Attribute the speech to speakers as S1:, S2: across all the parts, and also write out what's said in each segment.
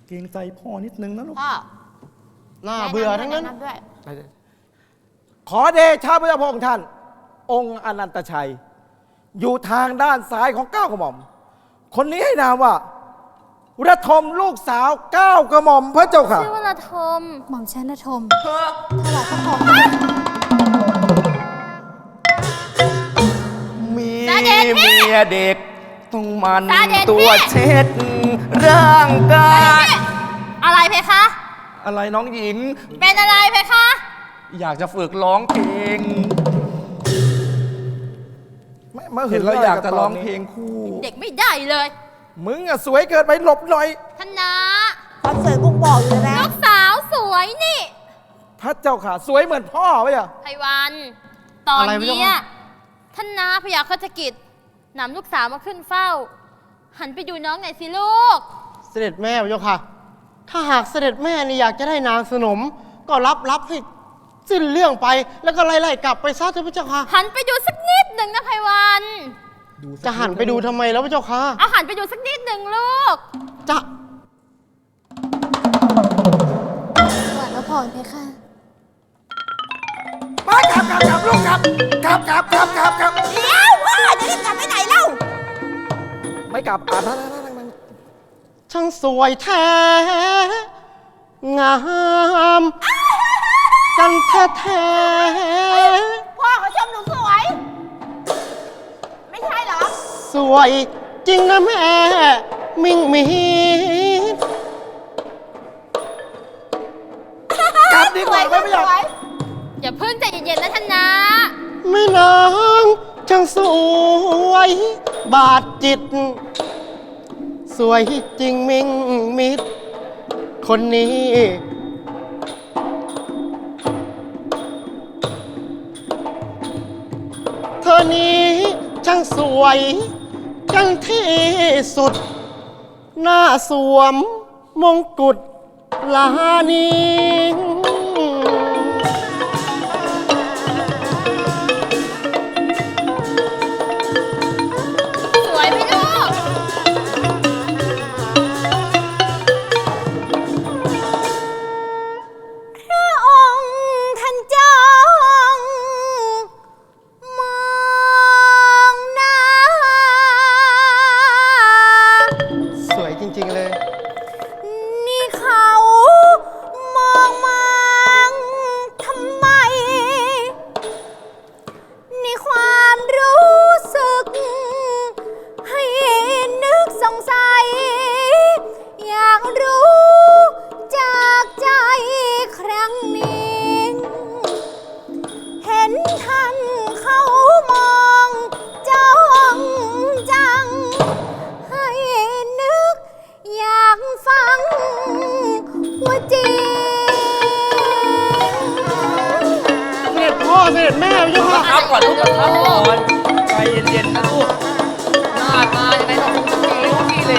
S1: เกรงใจพ่อนิดนึงนะลูก
S2: พ่อ
S3: น่าเบื่อทั้งนั้น
S2: แะำด้วย
S1: ขอเดชะพระพงษ์ท่าน องค์อนันตชัย อยู่ทางด้านซ้ายของ9 กระหม่อม คนนี้ให้นามว่าระทมลูกสาว9 กระหม่อมพระเจ้าค่ะ
S4: ชื่อว่าระทม
S5: หม่อมชันธม
S2: เธอ
S5: ถวายพระพร
S3: มีเมียเด็กต้องมัน
S4: ตาเด็ดพี่
S3: ตัวเช็ดร่างกาย
S4: อะไรเพคะ
S3: อะไรน้องหญิง
S4: เป็นอะไรเพคะ
S3: อยากจะฝึกร้องเพลง เห็นแล้วอยากจะร้องเพลงคู่
S4: เด็กไม่ได้เลย
S1: มึงอะสวยเกินไปหลบหน่อย
S4: ท่านนา
S2: ความสวยบุกบอกอยู่นะ
S4: ลูกสาวสวยนี่
S1: พระเจ้าค่ะ สวยเหมือนพ่อไหมอะ
S4: ไพวันตอน
S3: อะไรไม่รู้
S4: เนี้ยท่านนาพยาคฆกิจนำลูกสาวมาขึ้นเฝ้า หันไปดูน้องหน่อยสิลูก
S3: เสด็จแม่พระเจ้าค่ะ ถ้าหากเสด็จแม่นี่อยากจะได้นางสนม ก็รับให้สิ้นเรื่องไป แล้วก็ไล่ๆกลับไปซะเถอะพระเจ้าค่ะ
S4: หันไปดูสักนิดหนึ่งนะไพวัน
S3: จะหันไปดูทำไมแล้วพระเจ้าค่ะ
S4: เอาหันไปดูสักนิดหนึ่งลูก
S3: จะ
S5: ถวายพระพรเพคะ
S1: มากลับลูกกลับ
S2: เดี๋ยวพ่อจะรีบกลับไปไหนเล่า
S1: ไม่กลับนั่ง
S3: ช่างสวยแท้ งามกันแท้
S2: พ่อเขาชมหนูสวย ไม่ใช่เหรอ
S3: ๆสวยจริงนะแม่ มิ่งมีด
S1: กลับดีกว่าไม่อยาก
S4: อย่าเพิ่งใจเย็นๆนะท่านนา
S3: แม่นางช่างสวย บาดจิต สวยจริงมิ่งมิด คนนี้ เธอนี้ช่างสวยจังที่สุด หน้าสวมมงกุฎลานี
S4: สวยไหมลูก
S5: พระองค์ท่านจ้องมองหน้า
S3: สวยจริง ๆ เลย
S5: นี่เขามองมังทำไม นี่ความรู้สึก ให้นึกสงสัย อยากรู้จากใจครั้งนี้ เห็นท่านเขามองจ้องจัง ให้นึกอยากฟังว่าจริง
S3: เสด็จพ่อเสด็จแม่พระเจ้าค่ะ
S2: ครับก่อนลูกครับก่อนใจเย็นๆนะลูก หน้าตายังไงก็คงจะมีลูกนี่เลย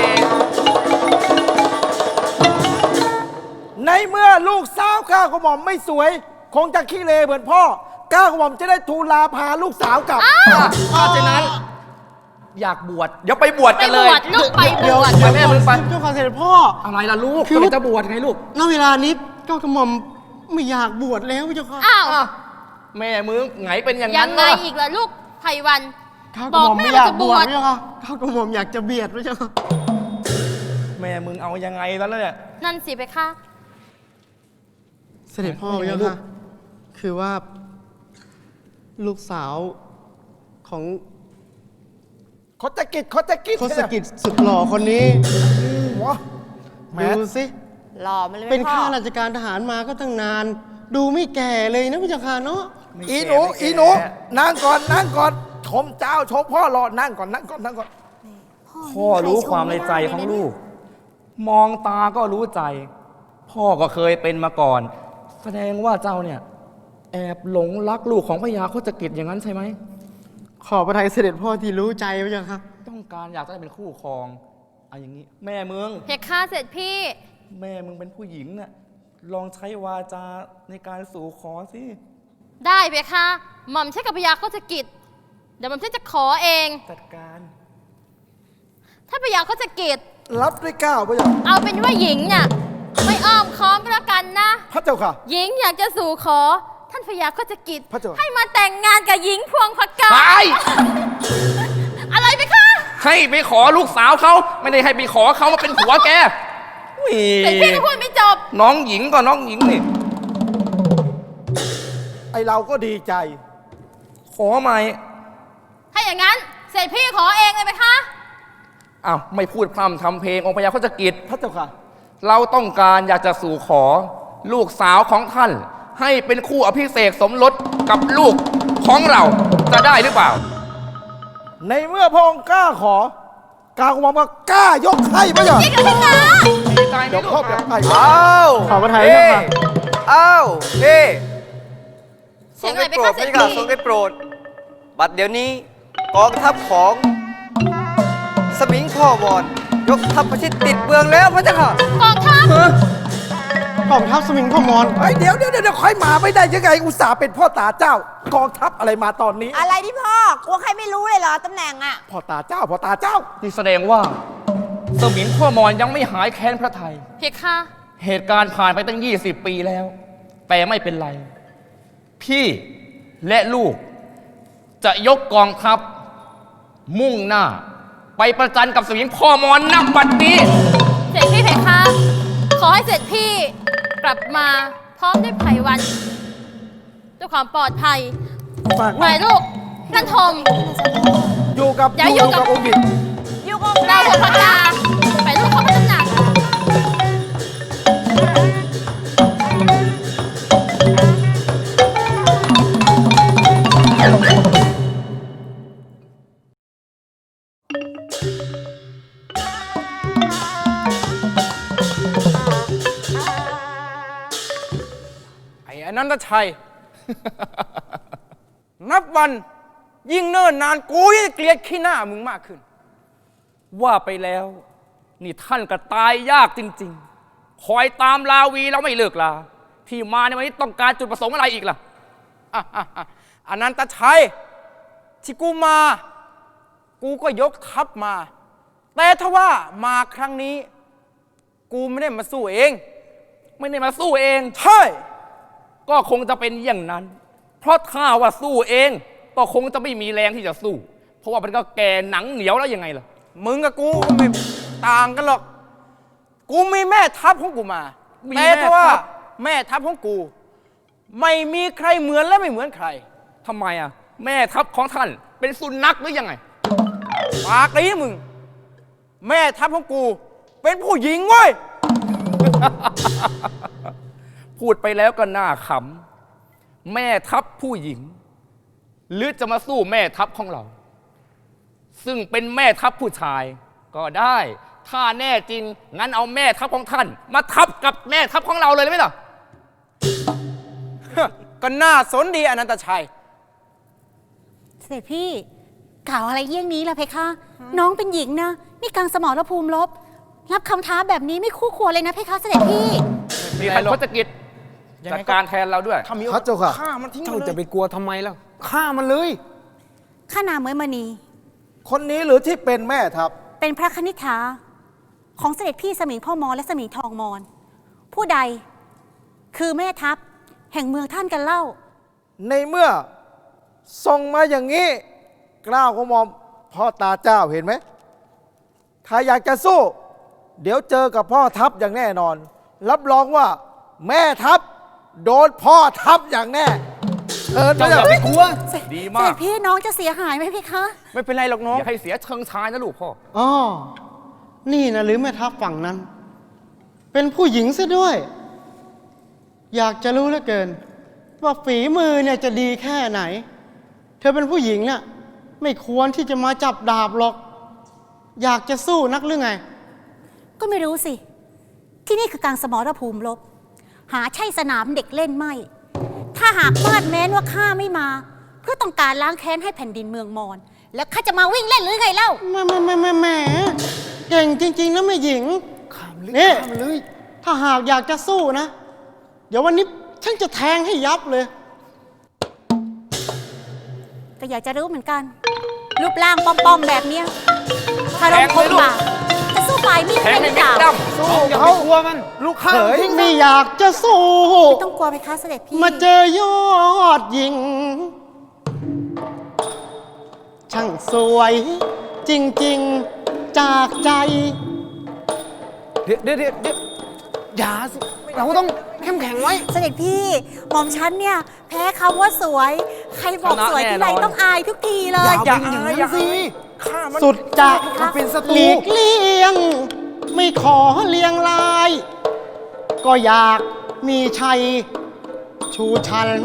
S1: ในเมื่อลูกสาว9 กระหม่อมไม่สวย คงจะขี้เลเหมือนพ่อ9 กระหม่อมจะได้ทูลลาพาลูกสาวกลับ
S2: เพราะฉะนั้น อยากบวช เดี๋ยวไปบวช
S4: ไป
S2: กัน
S4: บ
S2: เลยว
S4: ชลูกไปบ
S3: เดี๋ยว
S4: วช
S3: เดี๋ยว
S2: แม่มึงไป
S3: เจ้าค่ะเสด็จพ่อ
S2: อะไรล่ะลูก
S3: คือ
S2: เราจะบวชไงลูก
S3: ณเวลานี้เจ้ากระหม่อมไม่อยากบวชแล้วพระเจ้าค่ะ
S4: อ้าว
S2: แม่มึงไงเป็นอย่าง
S4: ยั
S2: นั้
S4: ง
S2: น
S4: ไง
S2: นะ
S4: อีกล่ะลูกไพวัน
S3: ข้ากระหม่อม
S4: บอกแม่
S3: ไม่อยาก
S4: ว่าจะ
S3: บบ ว
S4: ว
S3: ช
S4: ช
S3: พระเจ้าค่ะข้ากระหม่อมอยากจะเบียดพระเจ้าค่ะ
S1: แม่มึงเอายังไงแล้วเนี่ย
S4: นั่นสิเพคะ
S3: เสด็จพ่อพระเจ้าค่ะ คือว่า ลูกสาวของ
S1: คดกิจ
S3: ทศกิจสุดหล่อคนนี้
S1: หัวแม่
S3: ดูสิ
S2: หล่อมาเลยไหม
S3: เป็น
S2: พ่อ
S3: ข้าราชการทหารมาก็ตั้งนาน ดูไม่แก่เลยนะพระเจ้าค่ะเนาะ
S1: อีหนูนั่งก่อนชมเจ้าชมพ่อรอนั่งก่อน
S3: พ่อรู้ความในใจของลูก มองตาก็รู้ใจ พ่อก็เคยเป็นมาก่อน แสดงว่าเจ้าเนี่ย แอบหลงรักลูกของพญาโคจกิจอย่างนั้นใช่ไหม ขอพระทัยเสด็จพ่อที่รู้ใจพระเจ้าค่ะ ต้องการอยากจะได้เป็นคู่ครองเอาอย่างนี้ แม่มึง
S4: เพคะเสร็จพี่
S3: แม่มึงเป็นผู้หญิงน่ะ ลองใช้วาจาในการสู่ขอสิ
S4: ได้เพคะหม่อมใช้กับพยาโคจกิจ เดี๋ยวหม่อมฉันจะขอเอง
S3: จัดการ
S4: ถ้าพยาโคจกิจ
S1: รับด้วยเกล้าพระเจ้า
S4: เอาเป็นว่าหญิงเนี่ยไม่อ้อมค้อมก็แล้วกันนะ
S1: พระเจ้าค่ะ
S4: หญิงอยากจะสู่ขอ ท่านพญาโคจกิจ
S1: พระเจ้า
S4: ให้มาแต่งงานกับหญิงพวงพกา
S3: ไป
S4: อะไรไปคะ
S3: ให้ไปขอลูกสาวเขาไม่ได้ให้ไปขอเขามาเป็นผัวแกอุ๊ย
S4: แต่พี่จะพูดไม่จบ
S3: น้องหญิงก็น้องหญิงนี่
S1: ไอเราก็ดีใจ
S3: ขอไหม
S4: ถ้าอย่างนั้นเสร็จพี่ขอเองเลยไหมคะ
S3: อ้าวไม่พูดพร่ำทำเพลงองค์พญาโคจกิจ
S1: พระเจ้าค่ะ
S3: เราต้องการอยากจะสู่ขอ ลูกสาวของท่าน ให้เป็นคู่อภิเษกสมรสกับลูกของเราจะได้หรือเปล่า
S1: ในเมื่อพระองค์กล้าขอกล้ากระหม่อมก็กล้ายกให้พระเจ้า
S4: พี่กับพี่กา
S3: ดีใจไหม
S1: เดี๋ยว
S3: ลูก
S1: ครอบแบบไอ้
S2: อ้าว
S1: ขอพระไทย
S2: เฮ้
S1: ค่ะ
S2: อ้าวเฮ้
S4: เสียงอะไรไป
S2: โปร
S4: คะ
S2: ด
S4: เสร็จ
S2: พระเจ้า
S4: พี่
S2: ทรงได้โปรด บัดเดี๋ยวนี้กองทัพของสมิงพ่อวอนยกทัพประชิดติดเมืองแล้วพระเจ้าค่ะ
S4: กองทัพ
S1: กองทัพสมิงพ่อมอนเฮ้ยเดี๋ยวค่อยมาไม่ได้ยังไงอุตส่าห์เป็นพ่อตาเจ้ากองทัพอะไรมาตอนนี้
S5: อะไรที่พ่อกลัวใครไม่รู้เลยเหรอตำแหน่งอะ
S1: พ่อตาเจ้าพ่อตาเจ้า
S3: นี่แสดงว่าสมิงพ่อมอนยังไม่หายแค้นพระไทย
S4: เพคะ
S3: เหตุการณ์ผ่านไปตั้ง 20 ปีแล้ว แต่ไม่เป็นไร พี่และลูก จะยกกองทัพ มุ่งหน้า ไปประจันกับสมิงพ่อมอนนักบัดนี้
S4: เสร็จพี่เพคะ ขอให้เสร็จพี่กลับมาพร้อมด้วยไผ่วันด้วยความปลอดภัย
S1: ฝาก
S4: หน่อยลูกนั่นทม
S1: อยู่กับ
S4: อย่าอยู่กับ
S1: องค์หญิง
S5: อยู่กับ
S4: เรา
S5: แม่
S4: หัวพกาไปลูกเขาไม่น้ำหนัก
S6: ไอ้อนันตชัย นับวันยิ่งเนิ่นนานกูยิ่งเกลียดขี้หน้ามึงมากขึ้น
S3: ว่าไปแล้ว นี่ท่านก็ตายยากจริง ๆ คอยตามลาวีแล้วไม่เลิกลา ที่มาในวันนี้ต้องการจุดประสงค์อะไรอีกล่ะ
S6: อนันตชัย ที่กูมา กูก็ยกทัพมา แต่ถ้าว่ามาครั้งนี้ กูไม่ได้มาสู้เอง
S3: ไม่ได้มาสู้เอง
S6: ใช่
S3: ก็คงจะเป็นอย่างนั้น เพราะถ้าว่าสู้เอง ก็คงจะไม่มีแรงที่จะสู้ เพราะว่ามันก็แก่หนังเหนียวแล้วยังไงล่ะ
S6: มึงกับกูก็ไม่ต่างกันหรอก กูมีแม่ทัพของกูมา
S3: มี
S6: แต่ถ้าว่า
S3: แม่ทัพ
S6: แม่ทัพของกู ไม่มีใครเหมือนและไม่เหมือนใคร
S3: ทำไมอ่ะ แม่ทัพของท่านเป็นสุนัขหรือยังไง
S6: ปากนี้มึง แม่ทัพของกู เป็นผู้หญิงเว้ย
S3: พูดไปแล้วก็น่าขำ แม่ทัพผู้หญิง หรือจะมาสู้แม่ทัพของเรา ซึ่งเป็นแม่ทัพผู้ชาย ก็ได้ ถ้าแน่จริง งั้นเอาแม่ทัพของท่าน มาทับกับแม่ทัพของเราเลยได้ไหมล่ะ
S6: ก็น่าสนดีอนันตชัย
S5: เสด็จพี่กล่าวอะไรเยี่ยงนี้ล่ะเพคะ น้องเป็นหญิงนะนี่กลางสมรภูมิรบรับคำท้าแบบนี้ไม่คู่ควรเลยนะเพคะเสด็จพี่
S3: มีท่านพจกิจ
S6: ยัง
S3: จั
S6: ไง
S3: ด
S6: ก็
S3: การแทนเราด้วย
S6: ถ้ามี
S1: พระเจ้าค่ะ
S6: ฆ่ามันทิ้ง
S2: เจ้า
S6: เลย
S2: จะไปกลัวทำไมล่ะฆ่ามันเลย
S5: ข้านามเมยมณี
S1: คนนี้หรือที่เป็นแม่ทัพ
S5: เป็นพระคณิษฐาของเสด็จพี่สมิงพ่อมอและสมิงทองมอนผู้ใดคือแม่ทัพแห่งเมืองท่านกันเล่า
S1: ในเมื่อส่งมาอย่างนี้กล้าวกระหม่อมพ่อตาเจ้าเห็นไหม ถ้าอยากจะสู้ เดี๋ยวเจอกับพ่อทัพอย่างแน่นอน รับรองว่าแม่ทัพโดนพ่อทัพอย่างแน่พระเจ้า
S3: อย่าไปกลัว ดี
S5: เส
S3: มา
S5: ด็
S3: ก
S5: จพี่น้องจะเสียหายไหมพี่คะ
S6: ไม่เป็นไรหรอกน้อง
S3: อย่าให้เสียเชิงชายนะลูกพ่อ
S7: อ๋อ นี่นะหรือแม่ทัพฝั่งนั้น เป็นผู้หญิงซะด้วย อยากจะรู้เหลือเกิน ว่าฝีมือเนี่ยจะดีแค่ไหน เธอเป็นผู้หญิงเนี่ยไม่ควรที่จะมาจับดาบหรอก อยากจะสู้นักหรือไง
S5: ก็ไม่รู้สิ ที่นี่คือการสมรภูมิรบหาใช่สนามเด็กเล่นไม่ ถ้าหากมาดแม้นว่าข้าไม่มา เพื่อต้องการล้างแค้นให้แผ่นดินเมืองมอญแล้วข้าจะมาวิ่งเล่นหรือไงเล่า
S7: แหมเก่งจริง ๆนะแม่หญิงนี่ถ้าหากอยากจะสู้นะ เดี๋ยววันนี้ฉันจะแทงให้ยับเลย
S5: ก็อยากจะรู้เหมือนกัน รูปร่างป้อมๆแบบเนี้ยถ้าเรา
S3: แทง
S5: ค
S3: เลย
S5: น
S3: ลูก
S5: บาปจะสู้ฝ่ายมีด
S6: แทง
S5: ได้ห
S6: ให้
S5: รือเป
S6: เม็ด
S5: ล่า
S6: ดำสู้อย่าไปกลัวมัน
S1: ลูกเขย
S7: ไม่อยากจะสู้
S5: ไม่ต้องกลัวไปคะเสด็จพี่
S7: มาเจอยอดหญิง ช่างสวยจริงๆจากใจ
S6: เดี๋ยวอย่าสิ เราต้องเข้มแข็งไว้
S5: เสด็จพี่หม่อมฉันเนี่ย แพ้คำว่าสวย ใครบอกสวยที่ไรต้องอายทุกทีเลย
S6: อย่าอย่างนั้นสิข้ามัน
S7: สุดจะ
S6: มันเป็นศัต
S7: ห
S6: รู
S7: ลีกเลี่ยง ไม่ขอเลียงลาย ก็อยากมีชัยชูชัน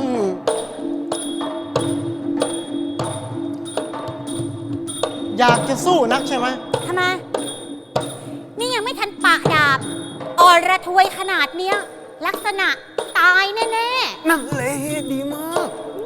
S7: อยากจะสู้นักใช่ไหม
S5: ทำไม นี่ยังไม่ทันปะดาบอรทวยขนาดเนี้ย ลักษณะตายแน่
S6: นั่นเลยดีมาก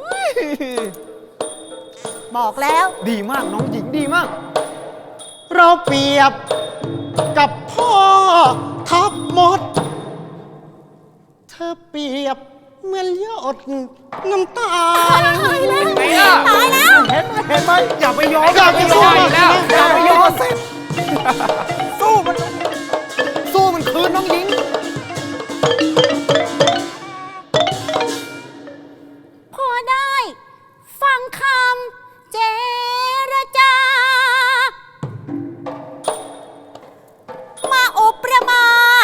S5: ๆ บอกแล้ว
S6: ดีมากน้องหญิงดีมาก
S7: เราเปรียบกับพ่อทับมด เธอเปรียบเหมือนหยดน้ำตา
S5: ตายแล้ว
S6: ไงล่ะ
S5: ตายแล้ว
S1: เห็นไหม
S6: อย่าไปยอม
S7: อย่าไปสู้
S6: อีกแล้ว
S7: มันนะ
S6: อย่าไปยอม
S1: สู้มัน
S6: สู้มันคืนน้องหญิง
S5: พอได้ ฟังคำเจรจา มาอุประมา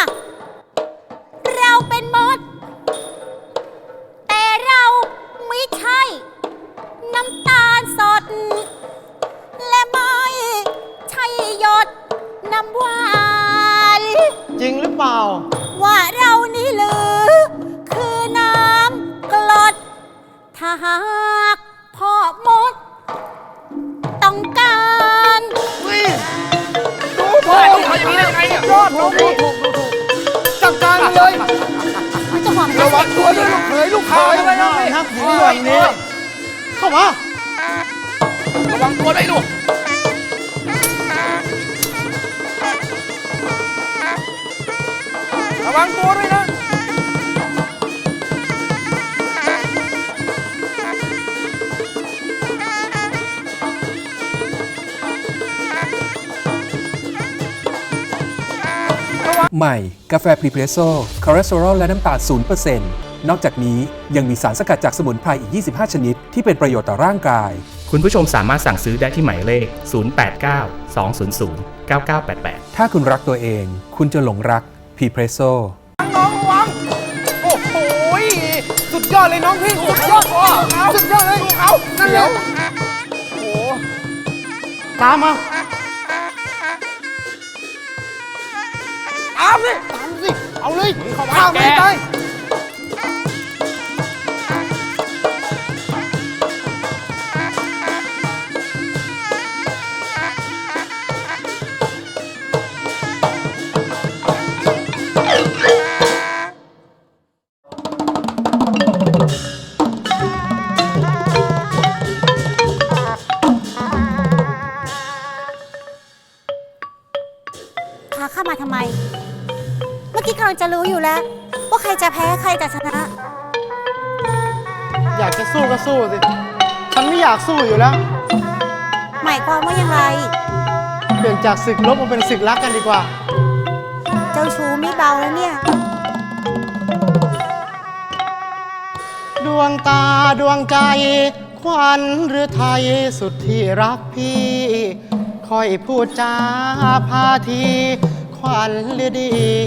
S5: เราเป็นมด แต่เราไม่ใช่ น้ำตาลสด และไม่ใช่หยดน้ำหวาน
S7: จริงหรือเปล่า
S5: ว่าเรานี่หรือคือน้ำกรด ถ้าหากพ่อมด ต้องการ
S1: ดูพ่อ
S6: เขาอย่างนี้ได้ยังไงเนี่ย
S1: ยอดลูกถูกจัดการเลย
S5: ไม่ต้องห่วง
S1: ระวังตัวด้วยลูกเขยลูกเขย
S6: อะไรน้องนี่
S7: นักหญิงแบบนี้ เข้ามา
S6: ระวังตัวด้วยลูกระวังตัวด้วยนะ
S8: ใหม่ กาแฟพรีเพรสโซ่คอเลสเตอรอลและน้ำตาล0%นอกจากนี้ยังมีสารสกัดจากสมุนไพรอีก 25 ชนิด ที่เป็นประโยชน์ต่อร่างกาย
S9: คุณผู้ชมสามารถสั่งซื้อได้ที่หมายเลข 089 200 9988
S8: ถ้าคุณรักตัวเอง คุณจะหลงรักพรีเพรสโซ่
S6: น้องระวัง โอ้โหยสุดยอดเลยน้องพี่ สุดยอดสุดยอดเลยเอานั่นแหละโอ้โห
S7: ตามมา
S6: ตามสิ
S7: ตามสิ เอาเลย
S6: ข้าไม่ได้
S5: พาข้ามาทำไม เมื่อกี้กำลังจะรู้อยู่แล้ว ว่าใครจะแพ้ใครจะชนะ
S7: อยากจะสู้ก็สู้สิ ฉันไม่อยากสู้อยู่แล้ว
S5: หมายความว่ายังไง
S7: เปลี่ยนจากศึกลบมาเป็นศึกรักกันดีกว่า
S5: เจ้าชู้ไม่เบาแล้วเนี่ย
S7: ดวงตาดวงใจ ขวัญหรือไทยสุดที่รักพี่ คอยพูดจาพาทีขวัญหรือดี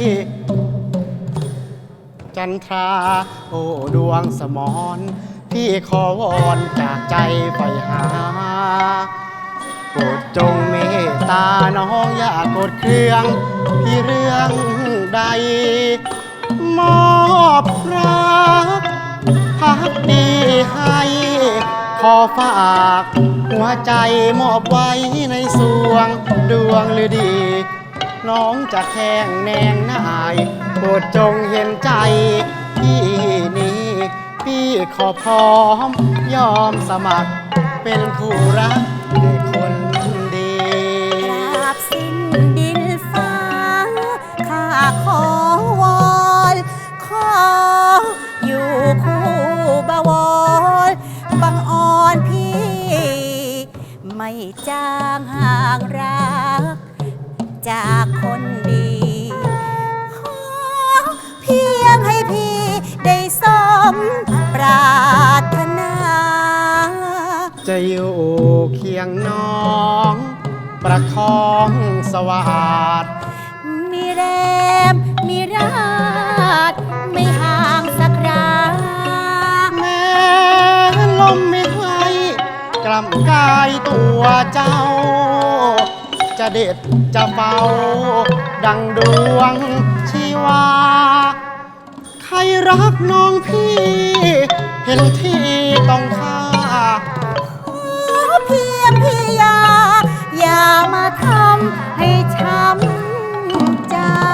S7: จันทรา โอ้ดวงสมรพี่ขอวอนจากใจไปหา โปรดจงเมตตาน้องอย่ากดเครื่อง พี่เรื่องใด มอบรักพักดีให้ ขอฝากหัวใจมอบไว้ในสวงดวงฤดี น้องจะแข่งแนงนายโปรดจงเห็นใจพี่นี้พี่ขอพร้อมยอมสมัคร เป็นคู่รักในคนดี
S5: กราบสิ้นดินฟ้า ข้าขอวอน ขออยู่คู่บวรบังอ่อนพี่ ไม่จางห่างรัก จจากคนดีขอเพียงให้พี่ได้สมปรารถนา
S7: จะอยู่เคียงน้องประคองสวัสด
S5: มีแรมมีราดไม่ห่างสักรา
S7: แม้ลมไม่ให้กล่ำกายตัวเจ้า จะเด็ดจะเบาดังดวงชีวา ใครรักน้องพี่ เห็นที่ต้องค่า
S5: ขอเพียงพี่อย่ามาทำให้ช้ำใจ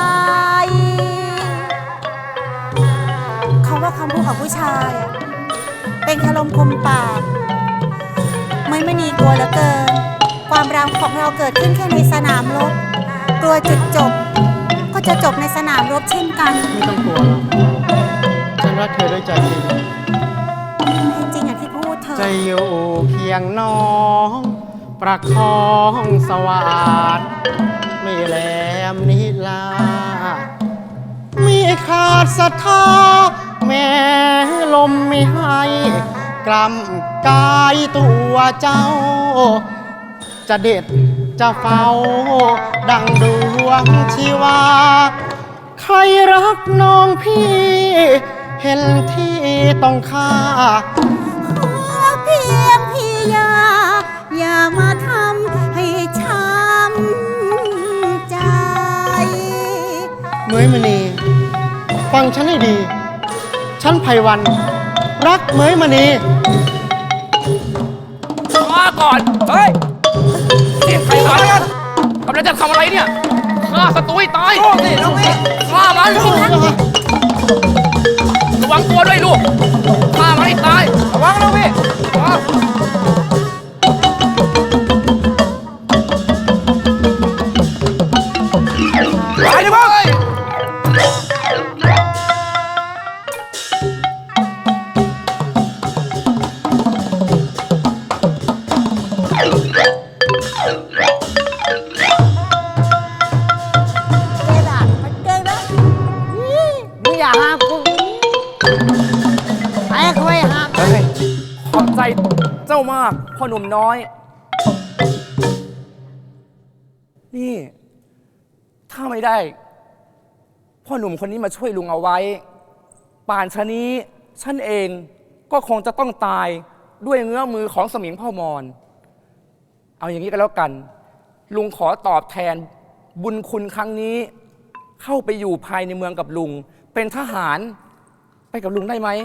S5: เขาว่าคำพูดของผู้ชายอะเป็นคารมคมปากไม่นีกลัวเหลือเกิน ความรักของเราเกิดขึ้นแค่ในสนามรบ กลัวจุดจบ ก็จะจบในสนามรบเช่นกัน
S7: ไม่ต้องกลัวหรอกฉันรักเธอด้วยใจจริง
S5: จริงอย่างที่พูดเธอ
S7: จะอยู่เคียงน้องประคองสวัสดไม่แหลมนิลามีขาดศรัทธาแม้ลมไม่ให้กล่ำกายตัวเจ้า จะเด็ดจะเฝ้าดังดวงชีวา ใครรักน้องพี่ เห็นที่ต้องค่า
S5: ขอเพียงพี่อย่ามาทำให้ช้ำใจ
S7: เหมยมณีฟังฉันให้ดี ฉันไพวัน รักเหมยมณี
S3: มาก่อน เฮ้ยเสียงใครมากันกำลังจะทำอะไรเนี่ยฆ่าศัตรูให้ตายโอ้สิน้องพี่ฆ่ามันระวังตัวด้วยลูกฆ่ามันให้ตายระวังนะพี่ไปดิมึง
S1: มึงอย่าหากูไอ้คุยหา
S3: ขอบใจเจ้ามากพ่อหนุ่มน้อย นี่ ถ้าไม่ได้ พ่อหนุ่มคนนี้มาช่วยลุงเอาไว้ ป่านชะนี้ฉันเองก็คงจะต้องตายด้วยเงื้อมือของสมิงพ่อมอน เอาอย่างนี้ก็แล้วกัน ลุงขอตอบแทนบุญคุณครั้งนี้ เข้าไปอยู่ภายในเมืองกับลุง เป็นทหารไปกับลุงได้ไหม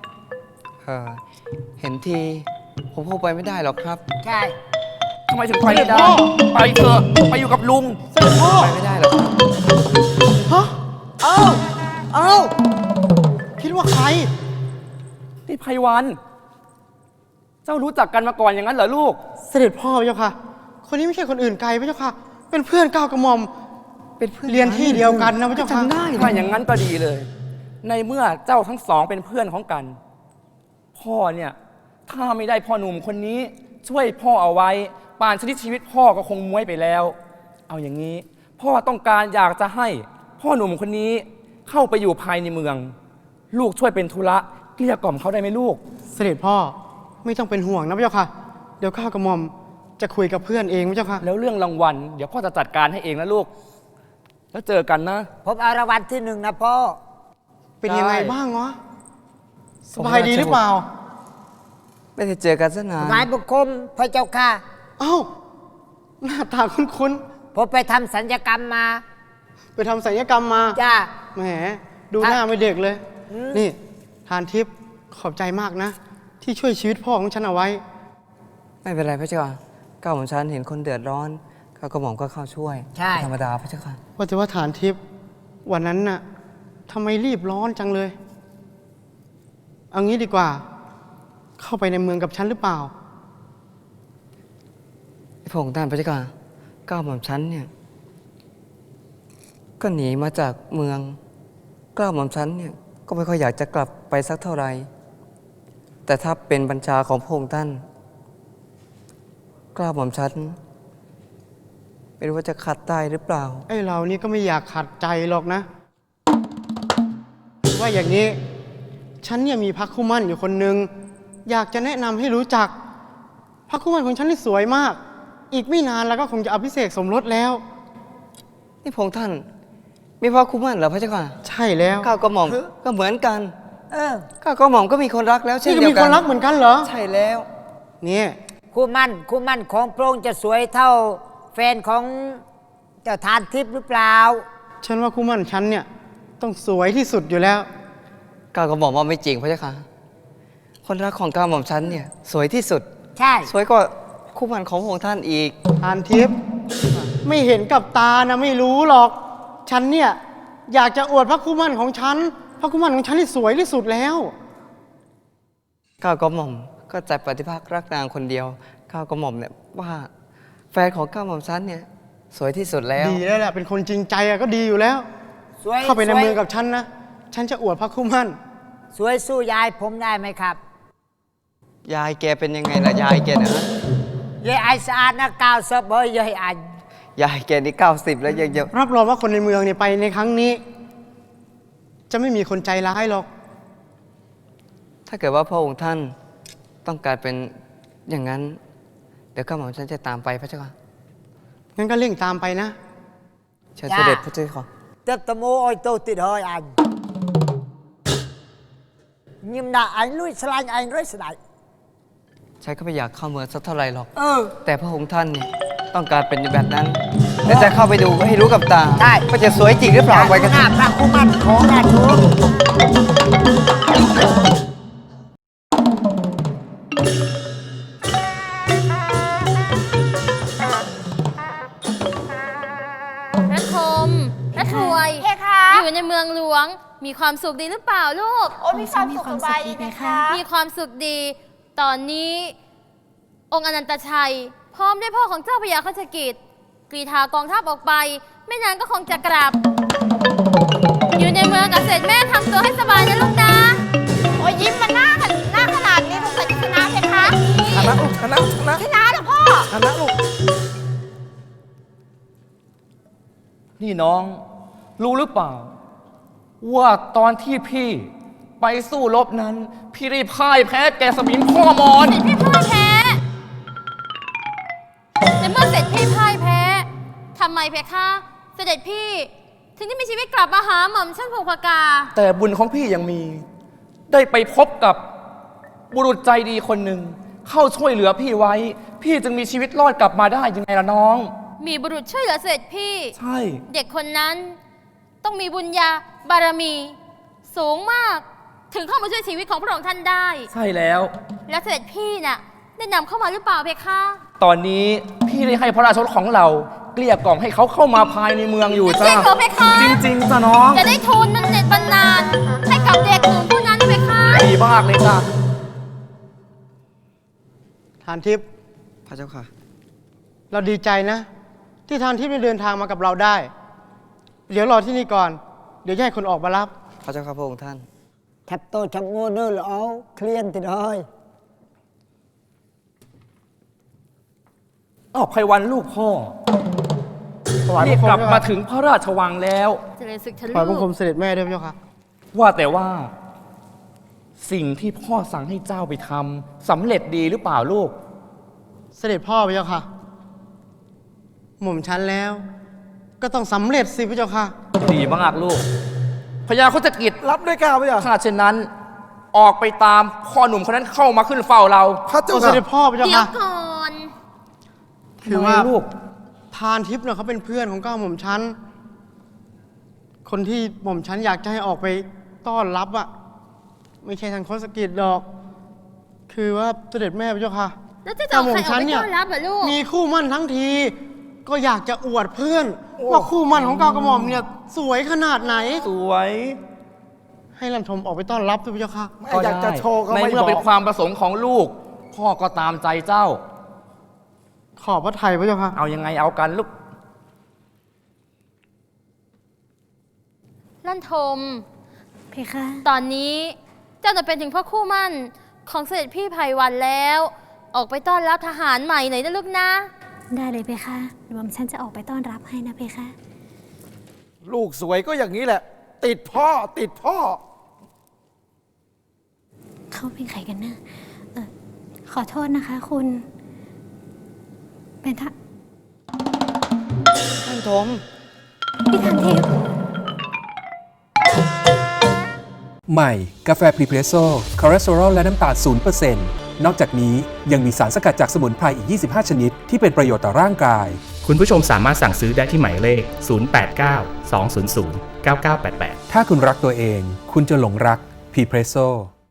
S2: เห็นที ผมคงไปไม่ได้หรอกครับ
S1: ใช่
S3: ทำไมถึงไปไม่ได้ ไปเถอะไปอยู่กับลุง
S2: ไปไม่ได้หรอกครับ
S7: ฮะ
S1: เอ้า
S7: คิดว่าใคร
S3: นี่ไพวัน เจ้ารู้จักกันมาก่อนอย่างนั้นเหรอลูก
S7: เสด็จพ่อพระเจ้าค่ะ คนนี้ไม่ใช่คนอื่นไกลพระเจ้าค่ะ เป็นเพื่อนก้าวกระหม่อม
S2: เป็นเพื่อน
S7: เรียนที่เดียวกันนะพระเจ้าค่ะ
S2: จำได้
S3: ถ้าอย่างนั้นก็ดีเลย ในเมื่อเจ้าทั้งสองเป็นเพื่อนของกัน พ่อเนี่ย ถ้าไม่ได้พ่อหนุ่มคนนี้ ช่วยพ่อเอาไว้ ป่านชนิดชีวิตพ่อก็คงม้วยไปแล้ว เอาอย่างนี้ พ่อต้องการอยากจะให้พ่อหนุ่มคนนี้เข้าไปอยู่ภายในเมือง ลูกช่วยเป็นธุระเกลี้ยกล่อมเขาได้ไหมลูก
S7: เสด็จพ่อไม่ต้องเป็นห่วงนะพระเจ้าค่ะ เดี๋ยวก้าวกระหม่อมจะคุยกับเพื่อนเองพระเจ้าค่ะ
S3: แล้วเรื่องรางวัลเดี๋ยวพ่อจะจัดการให้เองนะลูก แล้วเจอกันนะ
S1: ผมเอารางวัลที่หนึ่งนะพ่อ
S7: เป็นยังไงบ้างวะสบายดีหรือเปล่า
S2: ไม่ได้เจอกันซะนาน
S1: นายบุคคลพระเจ้าค่ะ
S7: เอ้า หน้าตาคุ้น
S1: ผมไปทำสัญญกรรมมา
S7: ๆ ไปทำศัลยกรรมมา
S1: จ้า
S7: แหม ดูหน้าไม่เด็กเลย นี่ ทานทิพย์ขอบใจมากนะ ที่ช่วยชีวิตพ่อของฉันเอาไว้
S2: ไม่เป็นไรพระเจ้าค่ะก้าวของฉันเห็นคนเดือดร้อนก้าวกระหม่อมก็เข้าช่วย
S1: ใช่
S2: ธรรมดาพระเจ้าค่ะ
S7: ว่าแต่ว่าฐานทิพย์วันนั้นน่ะทำไมรีบร้อนจังเลย เอางี้ดีกว่า เข้าไปในเมืองกับฉันหรือเปล่า
S2: พระองค์ท่านพระเจ้าค่ะก้าวหม่อมฉันเนี่ยก็หนีมาจากเมืองก้าวหม่อมฉันเนี่ยก็ไม่ค่อยอยากจะกลับไปสักเท่าไหร่แต่ถ้าเป็นบัญชาของพระองค์ท่านก้าวหม่อมฉันเป็นไม่รู้ว่าจะขัดได้หรือเปล่า
S7: ไอ้เรานี่ก็ไม่อยากขัดใจหรอกนะ ว่าอย่างนี้ ฉันเนี่ยมีพระคู่หมั่นอยู่คนหนึ่งอยากจะแนะนำให้รู้จักพระคู่หมั่นของฉันนี่สวยมาก อีกไม่นานแล้วก็คงจะอภิเษกสมรสแล้ว
S2: นี่พระองค์ท่าน มีพระคู่หมั่นเหรอพระเจ้าค่ะ
S7: ใช่แล้ว
S2: ข้าวกระหม่อมก็เหมือนกันข้าวกระหม่อมก็มีคนรักแล้วเช่น
S7: นี่ก็
S2: เดีย
S7: มี
S2: วกั
S7: คนรักเหมือนกันเหรอ
S2: ใช่แล้ว
S7: เนี่ย
S10: คู่มั่นของพระองค์จะสวยเท่าแฟนของเจ้าทานทิพย์หรือเปล่า
S7: ฉันว่าคู่หมั่นฉันเนี่ยต้องสวยที่สุดอยู่แล้ว
S2: ก้าวกระหม่อมว่าไม่จริงพระเจ้าค่ะ คนรักของก้าวกระหม่อมฉันเนี่ยสวยที่สุด
S10: ใช่
S2: สวยกว่าคู่หมั่นของพระองค์ท่านอีก
S7: ทานทิพย์ไม่เห็นกับตานะไม่รู้หรอก ฉันเนี่ยอยากจะอวดพระคู่หมั่นของฉัน พระคู่หมั่นของฉันที่สวยที่สุดแล้ว
S2: ก้าวกระหม่อมก็ใจปฏิภาครักนางคนเดียวก้าวกระหม่อมเนี่ยว่าแฟนของก้าวกระหม่อมฉันเนี่ยสวยที่สุดแล้ว
S7: ดีแล้วแหละเป็นคนจริงใจอะก็ดีอยู่แล้ว
S10: สวย
S7: เข้าไปใน
S10: สวย
S7: เมืองกับฉันนะ ฉันจะอวดพระคู่หมั่น
S10: สวยสู้ยายผมได้ไหมครับ
S2: ยายแกเป็นยังไงล่ะยายแกเนี่ยฮะ
S10: ยายไอสะอาดนะกาวเซบเบยยายอัน
S2: ยายแกนี่90แล้วยังจะ
S7: รับรองว่าคนในเมืองเนี่ยไปในครั้งนี้ จะไม่มีคนใจร้ายหรอก
S2: ถ้าเกิดว่าพระองค์ท่านต้องการเป็นอย่างนั้น เดี๋ยวก้าวกระหม่อมฉันจะตามไปพระเจ้าค่ะ
S7: งั้นก็เร่งตามไปนะ
S2: เชิญเสด็จพระเจ้าค่ะ
S10: เติบตะโมโอยโตติดเฮยอันยิมด่าอันลุยสลายอันร้อยสลาย
S2: ฉันก็ไม่อยากเข้าเมืองสักเท่าไหร่หรอก
S10: เออ
S2: แต่พระองค์ท่านเนี่ยต้องการเป็นแบบนั้นแล้วจะเข้าไปดูให้รู้กับตา
S10: ได้
S2: ว่าจะสวยจริงหรือเปล่าไปกัน
S10: หน้าพระคู่มั่นของราชวงศ์
S4: พระธมพระถวย
S5: เพคะ
S4: อยู่ในเมืองหลวง มีความสุขดีหรือเปล่าลูก
S5: โอ้มีความสุขสบายดีเพคะ
S4: มีความสุขดี ตอนนี้ องค์อนันตชัย พร้อมด้วยพ่อของเจ้าพญาคัจฉกิจกรีธากองทัพออกไป ไม่นานก็คงจะกลับ อยู่ในเมืองกับเสด็จแม่ทำตัวให้สบายนะลูกนะ
S5: โอ้ยยิ้มมันหน้าขนาดนี้สงสัยจะชนะเพคะ
S1: ชนะลูกชนะ
S5: ชนะเหรอพ่อ
S1: ชนะลูก
S3: นี่น้อง รู้หรือเปล่า ว่าตอนที่พี่ไปสู้รบนั้น พี่ได้พ่ายแพ้แกสมิงพ่อมอน
S4: เสร็จพี่พ่ายแพ้ในเมื่อเสร็จพี่พ่ายแพ้ทำไมเพคะ เสด็จพี่ถึงได้มีชีวิตกลับมาหาหม่อมชั้นภูพกา
S3: แต่บุญของพี่ยังมี ได้ไปพบกับบุรุษใจดีคนหนึ่ง เข้าช่วยเหลือพี่ไว้ พี่จึงมีชีวิตรอดกลับมาได้ยังไงล่ะน้อง
S4: มีบุรุษช่วยเหลือเสด็จพี่
S3: ใช่
S4: เด็กคนนั้นต้องมีบุญญาบารมี สูงมาก ถึงเข้ามาช่วยชีวิตของพระองค์ท่านได้
S3: ใช่แล้ว
S4: และเสด็จพี่น่ะได้นำเข้ามาหรือเปล่าเพคะ
S3: ตอนนี้พี่ได้ให้พระราชรถของเราเกลี้ยกล่อมให้เขาเข้ามาภายในเมืองอยู่
S4: จริ
S3: จ้าง
S4: เหรอเพคะ
S3: จริงๆจ้ะน้อง
S4: จะได้ทุนมันเด็ดบรรนานให้กับเด็กหนุ่มผู้นั้นเพคะ
S3: ดีมากเลยจ้ะ
S7: ทานทิพย์
S2: พระเจ้าค่ะ
S7: เราดีใจนะ ที่ทานทิพย์ได้เดินทางมากับเราได้ เดี๋ยวรอที่นี่ก่อน เดี๋ยวจะให้คนออกมารับ
S2: พระเจ้าค่ะพระองค์ท่าน
S10: แทบโตชับโง่เนื้อหรอเคลียนติดเฮย
S3: อ้าวไพวันลูกพ่อ
S7: ถวาย
S3: นี่
S7: บังคม
S3: กลับ
S7: ด้วย
S3: มา
S7: ครับ
S3: ถึงพระราชวังแล้ว
S4: เจริญศึกทะ
S7: ถวายบั
S4: ลุ
S7: งคมเสด็จแม่ด้วยพระเจ้าค่ะ
S3: ว่าแต่ว่า สิ่งที่พ่อสั่งให้เจ้าไปทำสำเร็จดีหรือเปล่าลูก
S7: เสด็จพ่อพระเจ้าค่ะ หม่อมฉันแล้ว ก็ต้องสำเร็จสิพระเจ้าค่ะ
S3: ดีมากลูกพญาโคจกิจ
S1: รับด้วยก้าวพระเจ้า
S3: ถ้าเช่นนั้น ออกไปตามพ่อหนุ่มคนนั้นเข้ามาขึ้นเฝ้าเรา
S1: พระเจ้า
S7: เส
S1: ค่ะ
S7: ด็จพ่อพระเจ้า
S4: เดี๋ยว
S7: ค่ะ
S4: ก่อน
S7: คือว่า
S3: ทำไมลูก
S7: ทานทิพย์เนี่ยเขาเป็นเพื่อนของก้าวหม่อมฉัน คนที่หม่อมฉันอยากจะให้ออกไปต้อนรับอะไม่ใช่ทางโคสกิจดอก คือว่าเสด็จแม่พระเจ้าค่ะ
S4: แล้วจะเอาใครออกไปต้อนรับเหรอลูก
S7: มีคู่มั่นทั้งที ก็อยากจะอวดเพื่อน ว่าคู่มั่นของก้าวกระหม่อมเนี่ยสวยขนาดไหน
S3: สวย
S7: ให้ลันทมออกไปต้อนรับด้วยพระเจ้าค่ะ
S1: ไม่อยากจะโชว์ก็
S3: ใน
S1: ไม่
S3: เมื่
S1: บ
S3: อ
S1: อ
S3: เป็น
S1: ก
S3: ความประสงค์ของลูก พ่อก็ตามใจเจ้า
S7: ขอบพระไทยพระเจ้าค่ะ
S3: เอายังไงเอากันลูก
S4: ลั่นทม
S5: เพคะ
S4: ตอนนี้เจ้าจะเป็นถึงพ่อคู่มั่นของเสด็จพี่ไพวันแล้ว ออกไปต้อนรับทหารใหม่หน่อยนะลูกนะ
S5: ได้เลยเพคะเดี๋ยวฉันจะออกไปต้อนรับให้นะเพคะ
S1: ลูกสวยก็อย่างนี้แหละ ติดพ่อติดพ่อ
S5: เขาเป็นใครกันนะขอโทษนะคะคุณ เป็นท่า
S7: ท่านทม
S5: พี่ทานทิพย์
S8: ใหม่กาแฟพรีเพรสโซ่คอเลสเตอรอลและน้ำตาล0%นอกจากนี้ยังมีสารสกัดจากสมุนไพรอีก 25 ชนิดที่เป็นประโยชน์ต่อร่างกาย
S9: คุณผู้ชมสามารถสั่งซื้อได้ที่หมายเลข 089 200 9988
S8: ถ้าคุณรักตัวเอง คุณจะหลงรักพรีเพรสโซ่